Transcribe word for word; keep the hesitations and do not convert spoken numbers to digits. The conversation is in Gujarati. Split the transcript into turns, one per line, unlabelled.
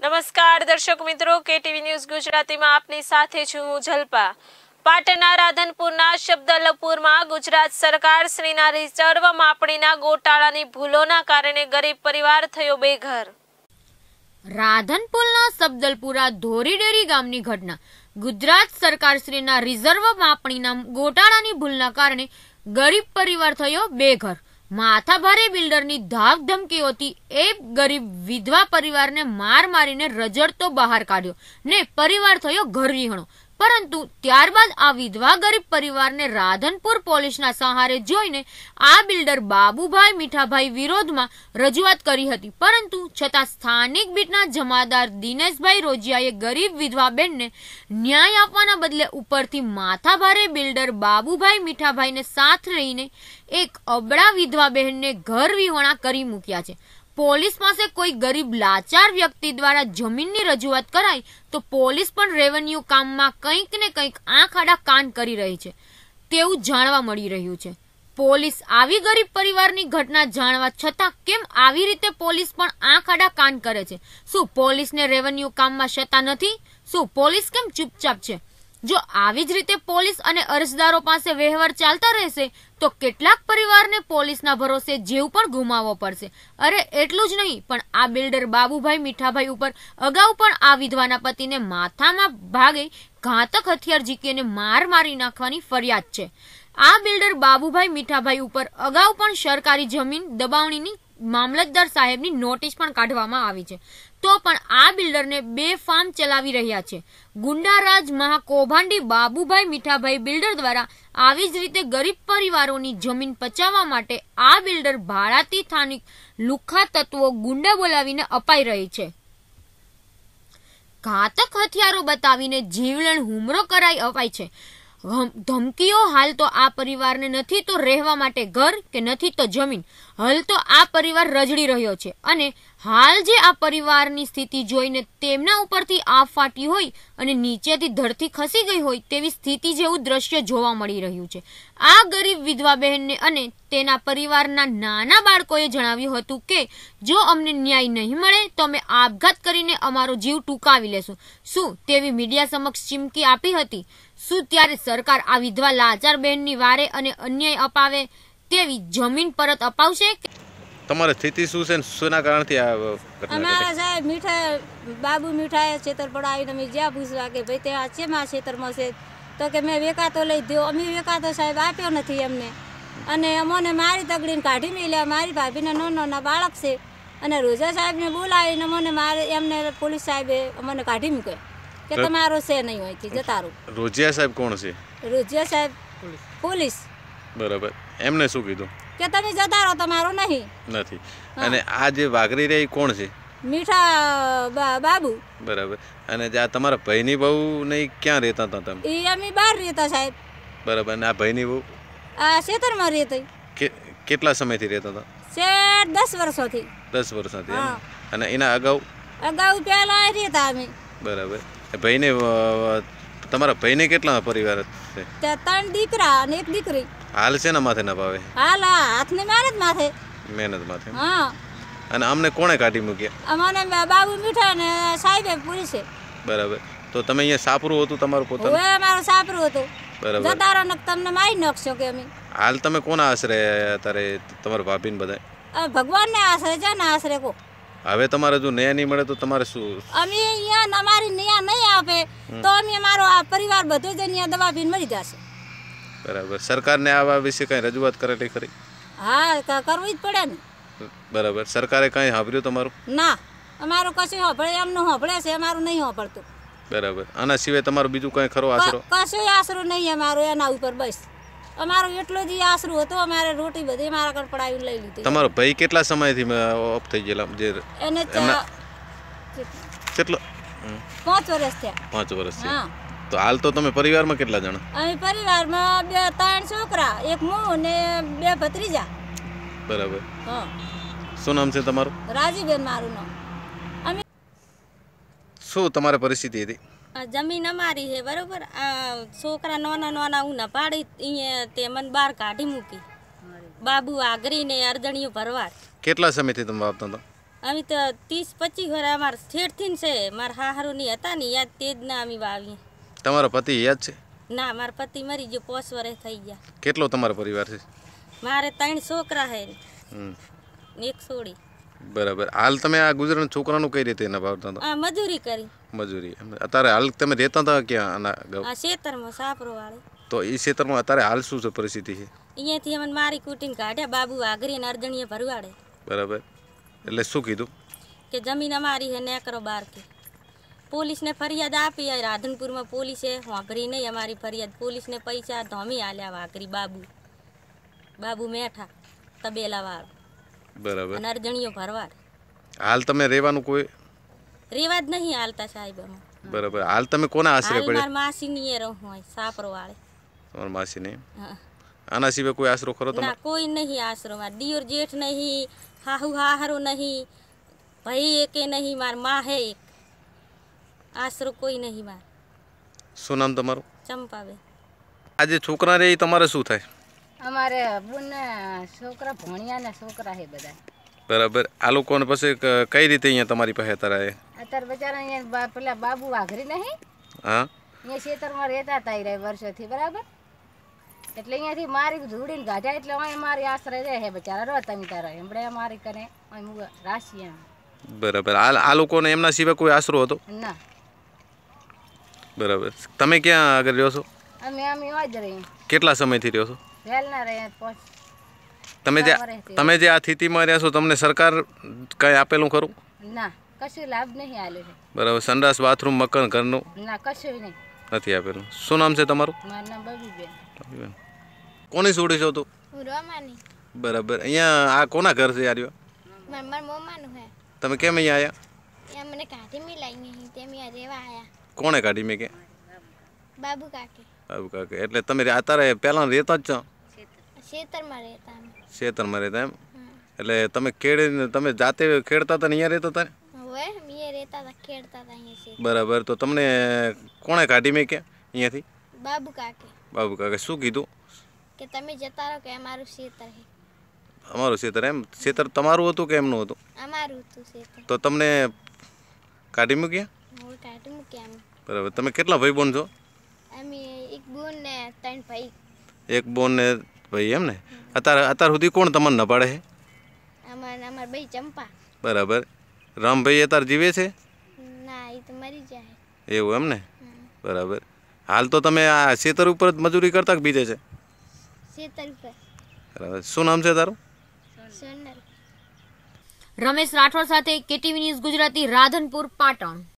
નમસ્કાર દર્શક મિત્રો, કેટીવી ન્યૂઝ ગુજરાતીમાં આપની સાથે છું હું જલ્પા। પાટણના રાધનપુરના શબ્દલપુરમાં ગુજરાત સરકાર શ્રીના રિઝર્વ માપણીના ગોટાળાની ભૂલોના કારણે ગરીબ પરિવાર થયો બેઘર।
રાધનપુરના શબ્દલપુરા ધોરીડેરી ગામની ઘટના ગુજરાત સરકાર શ્રીના રિઝર્વ માપણીના ગોટાળાની ભૂલના કારણે ગરીબ પરિવાર થયો બેઘર। માથાભારે બિલ્ડરની ધાક ધમકીઓથી એક ગરીબ વિધવા પરિવારને માર મારીને રજડતો બહાર કાઢ્યો ને પરિવાર થયો ઘરવિહોણો। પરંતુ ત્યારબાદ આ વિધવા ગરીબ પરિવારને રાધનપુર પોલીસના સહારે જોઈને આ બિલ્ડર બાબુભાઈ મીઠાભાઈ વિરોધમાં રજૂઆત કરી હતી, પરંતુ છતાં સ્થાનિક બીટના જમાદાર દિનેશભાઈ રોજિયાએ ગરીબ વિધવા બેનને ન્યાય આપવાના બદલે ઉપરથી માથાભારે બિલ્ડર બાબુભાઈ મીઠાભાઈને સાથ રહીને એક અબળા વિધવા બહેનને ઘર વિહોણા કરી મૂક્યા છે। પોલીસ પાસે કોઈ ગરીબ લાચાર વ્યક્તિ દ્વારા જમીનની રજૂઆત કરાય તો પોલીસ પણ રેવન્યુ કામમાં કંઈક ને કંઈક આંખ આડા કાન કરી રહી છે તેવું જાણવા મળી રહ્યું છે। પોલીસ આવી ગરીબ પરિવારની ઘટના જાણવા છતાં કેમ આવી રીતે પોલીસ પણ આંખ આડા કાન કરે છે? શું પોલીસને રેવન્યુ કામમાં સત્તા નથી? શું પોલીસ કેમ ચૂપચાપ છે? જો આવી જ રીતે પોલીસ અને અરજદારો પાસે વહેવાર ચાલતા રહેશે તો કેટલાક પરિવારને પોલીસના ભરોસે જીવ પણ ગુમાવવો પડશે। અરે એટલું જ નહીં, પણ આ બિલ્ડર બાબુભાઈ મીઠાભાઈ ઉપર અગાઉ પણ આ વિધવાના પતિને માથામાં ભાગે ઘાતક હથિયાર ઝીકીને માર મારી નાખવાની ફરિયાદ છે। આ બિલ્ડર બાબુભાઈ મીઠાભાઈ ઉપર અગાઉ પણ સરકારી જમીન દબાવણીની મામલતદાર સાહેબની નોટિસ પણ કાઢવામાં આવી છે, તો પણ આ બિલ્ડરને બે ફાર્મ ચલાવી રહ્યા છે। ગુંડારાજ મહાકૌભાંડી બાબુભાઈ મીઠાભાઈ બિલ્ડર દ્વારા આવી જ રીતે ગરીબ પરિવારોની જમીન પચાવવા માટે આ બિલ્ડર ભાડાથી સ્થાનિક લુખ્ખા તત્વો ગુંડા બોલાવીને અપાઈ રહી છે। ઘાતક હથિયારો બતાવીને જીવલેણ હુમલો કરાઈ અપાય છે। ધમકીઓ હાલ તો આ પરિવારને નથી તો રહેવા માટે ઘર કે નથી તો જમીન, હાલ તો આ પરિવાર રજડી રહ્યો છે અને હાલ જે આ પરિવારની સ્થિતિ જોઈને તેમના ઉપરથી આફ ફાટી હોય અને નીચેથી ધરતી ખસી ગઈ હોય તેવી સ્થિતિ જેવું દ્રશ્ય જોવા મળી રહ્યું છે। આ ગરીબ વિધવા બહેનને અને તેના પરિવારના નાના બાળકોએ જણાવ્યું હતું કે જો અમને ન્યાય નહીં મળે તો અમે આપઘાત કરીને અમારો જીવ ટૂંકાવી લેશું। શું તેવી મીડિયા સમક્ષ ચીમકી આપી હતી? શું ત્યારે સરકાર આ વિધવા લાચાર બહેનની વારે અને અન્યાય અપાવે તેવી જમીન પરત અપાવશે?
તમારી સ્થિતિ શું છે, શેના કારણથી આ ઘટના?
અમારા સાહેબ મીઠા બાબુ મીઠાએ છેતર પડાવીને અમે જ્યાં પૂછવા કે ભાઈ તે આ છે માં છેતરમાં છે તો કે મેં વેકાતો લઈ દો। અમે વેકાતો સાહેબ આપ્યો નથી એમને, અને અમને મારી તગડીને કાઢી મેલ્યા। મારી ભાભીને નાના નાના બાળક છે અને રોજા સાહેબને બોલાવીને મને મારે એમને પોલીસ સાહેબે અમને કાઢી મૂક્યા કે તમારો છે નહીં હોયથી જતા રહો।
રોજિયા સાહેબ કોણ છે?
રોજિયા સાહેબ પોલીસ।
બરાબર, એમને શું કીધું?
કે તમે જતા રહો, તમારો નહીં
નથી। અને આ જે વાઘરી રહી કોણ છે?
મીઠા બાબુ।
બરાબર, અને આ તમારા ભાઈની બહુ નહીં ક્યાં રહેતા હતા તમે?
એ અમે બહાર રહેતા સાહેબ।
બરાબર, અને આ ભાઈની બહુ
આ ખેતરમાં રહેતી।
કેટલા સમયથી રહેતા હતા?
શેઠ દસ વર્ષોથી।
દસ વર્ષથી। અને એના અગાઉ?
અગાઉ પહેલા રહેતા અમે।
બરાબર, ભાઈને તમારા ભાઈને કેટલા પરિવાર છે?
ત્રણ દીકરા અને એક દીકરી।
હાલ છે ને માથે ના પાવે?
હાલ હાથની મહેનત માથે।
મહેનત માથે?
હા।
અને અમને કોણે કાઢી મૂક્યા?
અમને બાબુ મીઠા ને સાહેબે પોલીસે।
બરાબર, તો તમે અહીંયા સાપરું હતું તમારું પોતાનું?
હવે અમારું સાપરું હતું।
બરાબર,
જતારો ને તમને મારી નાખશો કે અમે?
હાલ તમે કોના આશરે અત્યારે તમારા ભાભીને બધા?
ભગવાનને આશરે છે ને આશરે કો।
હવે તમારે જો ન્યાય નહીં મળે તો તમારે શું?
અમે અહીંયા અમારી ન્યાય નહીં આપે તો અમે અમારો આ પરિવાર બધો જ અહીંયા દવા પીને મરી જશે।
બરાબર, સરકારને આવા વિશે કઈ રજૂઆત કરેલી ખરી?
હા, કરવી જ પડે ને।
બરાબર, સરકારે કઈ સાંભળ્યું તમારું?
ના, અમારું કશું સાંભળે એમનું સાંભળે છે, અમારું નહીં સાંભળતું।
બરાબર, આના સિવાય તમારું બીજું કઈ ખરો આશરો?
કશું આશરો નહીં અમારો એના ઉપર, બસ અમારું એટલું જ આશરું હતું। અમારે રોટી બધી મારા કણ પડાવી લઈ લીધી।
તમારો ભાઈ કેટલા સમયથી ઓફ થઈ ગયેલા? જે
એને
કેટલો?
પાંચ વર્ષ થયા।
પાંચ વર્ષ?
હા।
તો હાલ તો તમે પરિવારમાં કેટલા જણા?
અમે પરિવારમાં બે ત્રણ છોકરા, એક હું ને બે ભત્રીજા।
બરાબર,
હા।
શું નામ છે તમારું?
રાજીબેન મારું નામ। અમે
શું તમારી પરિસ્થિતિ હતી?
જમીન અમારી છે બરોબર, આ છોકરા નાના નાના ઉના પાડી અહીંયા તે મને બહાર કાઢી મૂકી। બાબુ આગરી ને અર્ધણીઓ ભરવાડ।
કેટલા સમયથી તમે વાપતા હતા?
અમે તો ત્રીસ પચીસ વર્ષ અમારે છેડથી છે મારા હાહરુની હતા ને યાદ તે જ ના અમે વાવીએ.
તમારા પતિ યાદ છે?
ના મારા પતિ મરી ગયો પોસ વર્ષ થઈ ગયા.
કેટલો તમારો પરિવાર છે?
મારે ત્રણ છોકરા છે
હમ
ને એક છોડી.
બરાબર. હાલ તમે આ ગુજરાત છોકરાનું કઈ રીતે નભાવતા હતા?
આ મજૂરી કરી.
મજૂરી. અત્યારે હાલ તમે રહેતા હતા ક્યાં? આના ગામ?
આ ખેતરમાં સાપરો વાળે.
તો એ ક્ષેત્રમાં અત્યારે હાલ શું છે પરિસ્થિતિ છે?
અહીંયાથી અમને મારી કૂટીને કાઢ્યા બાબુ આગરી ને અર્જણીએ ભરવાડે.
બરાબર. એટલે શું કીધું?
કે જમીન અમારી હે ને કરો બાર કે. પોલીસને ફરિયાદ આપી રાધનપુરમાં પોલીસે વાપરી નહીં અમારી ફરિયાદ. પોલીસને પૈસા ધોમી આલ્યા વાઘરી બાબુ બાબુ મેઠા તબેલા વાળો.
બરાબર.
અને અર્જણીઓ ભરવાડ.
હાલ તમે રહેવાનું કોઈ
રેવા જ નહીં હાલતા સાહેબ અમે.
બરાબર. હાલ તમે કોના આશરે
હાલ
પડ્યા?
માર માસીની એ રહું હોય સાપરો વાળે.
તમારા માસી નહીં?
હા.
આના સિવાય કોઈ આશરો ખરો
ના
તમારે?
કોઈ નહીં આશરો. માર દિયોર જેઠ નહીં, હાહુ હાહરો નહીં, ભાઈ એકે નહીં, માર માં હે એક. આશરો કોઈ નહીં માર.
શું નામ તમારું?
ચંપાબેન.
આજે છોકરા રે એ તમારે શું થાય?
અમારે બુને છોકરા ભણ્યા ને છોકરા છે બધા.
બરાબર. આ લોકોને પછી ક- કઈ રીતે અહીંયા તમારી પાસે અત્યારે?
અત્યારે બચારા અહીંયા બા- પેલા બાબુ વાઘરી નહીં
હા.
અહીંયા ખેતરમાં રહેતા હતા એ વર્ષોથી બરાબર. એટલે અહીંયાથી મારી ધૂડીને ગાઢ્યા એટલે અહીં મારી આશરે રહે છે બચારા રો તમે તારા એમડે મારી કરે અહીં રાશી એમ.
બરાબર. આ આ લોકોને એમના સિવાય કોઈ આશરો હતો?
ના
બરાબર. તમે ક્યાં આગળ રહ્યો છો?
અમે અમે જ રહી
કેટલા સમયથી રહ્યો છો?
વહેલ ના રહે પોચ
તમે જે તમે જે આ સ્થિતિમાં રહ્યા છો તમને સરકાર કઈ આપેલું ખરું?
ના કશું લાભ નહીં આલ્યો છે.
બરાબર. સંડાસ બાથરૂમ મકાન ઘરનું
ના કશું નહીં.
નથી આપેલું. શું નામ છે તમારું?
મારું નામ બબીબેન.
કોની છોડી છો તું?
હું રોમાની.
બરાબર. અહીંયા આ કોના ઘર છે યાર?
માર માર મોમાનું હે.
તમે કેમ અહીંયા આવ્યા?
ત્યાં મને કાઢી મિલાઈ નહીં તે મેં રેવા આયા.
કોણે કાઢી મેં કે?
બાબુ કાકે
આવું કાકે. એટલે તમે રે- અત્યારે પહેલાં રહેતા જ છો?
ખેતરમાં રહેતા અમે.
ખેતરમાં રહેતા એમ? એટલે તમે ખેડીને તમે જાતે ખેડતા હતા ને અહીંયા રહેતા હતા ને?
હવે મેં રહેતા હતા ખેડતા હતા અહીંયા છે.
બરાબર. તો તમને કોણે કાઢી મેં કે અહીંયાથી?
બાબુ કાકે
બાબુ કાકે શું કીધું?
કે તમે જતા રહો કે અમારું ખેતર હે.
અમારું ખેતર એમ? ખેતર તમારું હતું કે એમનું હતું?
અમારું હતું ખેતર.
તો તમને કાઢી મૂક્યા?
હવે કાઢી મૂક્યા અમે.
બરાબર. તમે કેટલા ભાઈ બોન છો?
અમે એક બોન ને ત્રણ ભાઈ.
એક બોન ને ભાઈ એમ ને? અત્યારે અત્યાર સુધી કોણ તમને ન પાડે છે?
અમાર અમાર ભાઈ ચંપા.
બરાબર. રામભાઈ અત્યારે જીવે છે?
ના એ તો મરી જાય.
એવું એમ ને? બરાબર. હાલ તો તમે આ ખેતર ઉપર જ મજૂરી કરતા કે બીજે છે?
ખેતર ઉપર.
બરાબર. શું નામ છે તારું?
સોનલ.
રમેશ રાઠોડ સાથે કેટીવી ન્યૂઝ ગુજરાતી રાધનપુર પાટણ.